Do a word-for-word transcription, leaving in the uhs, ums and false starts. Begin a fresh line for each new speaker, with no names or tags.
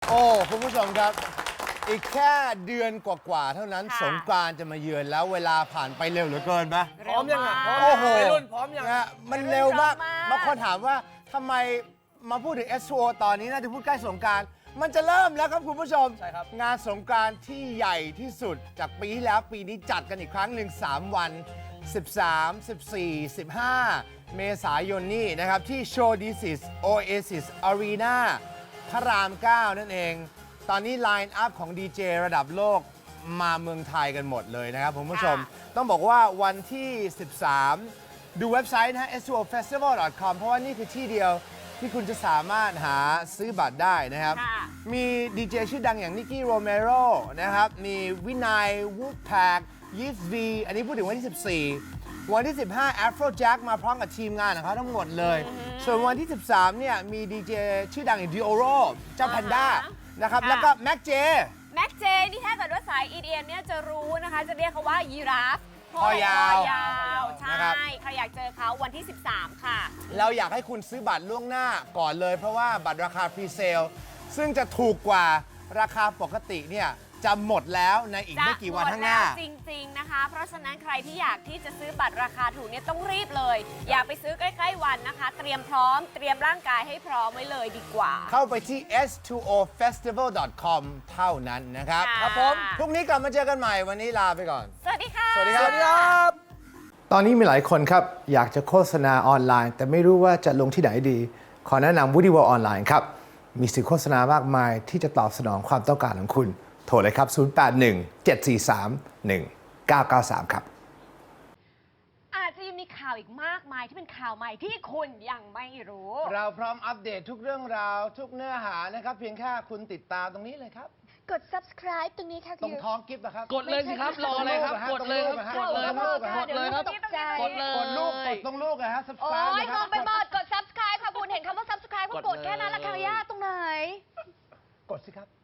โอ้คุณผู้ชมครับอีกแค่เดือนกว่าๆเท่านั้นสงกรานต์จะมาเยือนแล้วเวลาผ่านไปเร็วเหลือเกินปะ
พร้อมยังอ่ะ
โอ้โห
รุ่นพร้อมยัง
นะมันเร็วมากบางคนถามว่าทำไมมาพูดถึง เอส ทู โอ ตอนนี้น่าจะพูดใกล้สงกรานต์มันจะเริ่มแล้วครับคุณผู้ชม
ใช่ครับ
งานสงกรานต์ที่ใหญ่ที่สุดจากปีที่แล้วปีนี้จัดกันอีกครั้งหนึ่งสามวัน สิบสาม สิบสี่ สิบห้า เมษายนนี้นะครับที่ Showdisis Oasis Arena พระราม เก้า นั่นเอง ตอนนี้ไลน์อัพของดีเจระดับโลกมาเมืองไทยกันหมดเลยนะครับคุณผู้ชม ต้องบอกว่าวันที่ สิบสาม ดูเว็บไซต์นะฮะ เอส ทู โอ เฟสติวัล ดอท คอม เพราะว่านี่คือที่เดียวที่คุณจะสามารถหาซื้อบัตรได้นะครับ มีดีเจชื่อดังอย่างนิกกี้โรเมโรนะครับ มีวินัยวูดแพคยีสวีอันนี้พูดถึงวันที่ สิบสี่ วันที่ สิบห้า Afrojack มาพร้อมกับทีมงานของเขาทั้งหมดเลย ส่วนวันที่ สิบสาม เนี่ย มีดีเจชื่อดังอย่างดิโอโรเจ้าแพนด้านะครับ แล้วก็แม็กเจ
แม็กเจนี่ถ้าเกิดว่าสาย อี ดี เอ็ม เนี่ยจะรู้นะคะ จะเรียกเขาว่ายีราฟ
คอยาว
คอยาวใช่
นะครับ
ใครอยากเจอเขาวันที่ สิบสาม ค่ะ
เราอยากให้คุณซื้อบัตรล่วงหน้าก่อนเลย เพราะว่าบัตรราคาพรีเซลซึ่งจะถูกกว่าราคาปกติเนี่ยจะหมดแล้วในอีกไม่กี่วันข้างหน้า
จะมดแล้วจริง ๆ นะคะ เพราะฉะนั้นใครที่อยากที่จะซื้อบัตรราคาถูกเนี่ยต้องรีบเลย อย่าไปซื้อใกล้ๆวันนะคะ เตรียมพร้อมเตรียมร่างกายให้พร้อมไว้เลยดีกว่า
เข้าไปที่ เอส ทู โอ เฟสติวัล ดอท คอม เท่านั้นนะครับ
ค่ะ
ครับผมพรุ่งนี้กลับมาเจอกันใหม่วันนี้ลาไปก่อน
สวัสดีค่ะ
สวัสดีค
ส
รับ
วัสดีครับ
ตอนนี้มีหลายคนครับ อยากจะโฆษณาออนไลน์ แต่ไม่รู้ว่าจะลงที่ไหนดี ขอแนะนำ Woody World ออนไลน์ครับ มีสื่อโฆษณามากมายที่จะตอบสนองความต้องการของคุณ โทรเลยครับ ศูนย์ แปด หนึ่ง เจ็ด สี่ สาม หนึ่ง เก้า เก้า สาม ครับ
อาจจะยังมีข่าวอีกมากมายที่เป็นข่าวใหม่ที่คุณยังไม่รู้
เราพร้อมอัปเดตทุกเรื่องราวทุกเนื้อหานะครับ เพียงแค่คุณติดตามตรงนี้เลยครับ
กด subscribe ตรงนี้ค่ะ
ตรงท้องกิฟต์นะครับ
กดเลยสิครับ รออะไรครับ กดเลยครับ กดเลยครับ กดเลยครับ
ตกใจ
กดเลย
กดลูกกดตรงลูกนะฮะ
โอ้
subscribe
ย
นะค
ม
รั
อบ งไปหมดกด subscribe ค่ะคุณเห็นคำว่า subscribe ก็กดแค่นั้นแหละ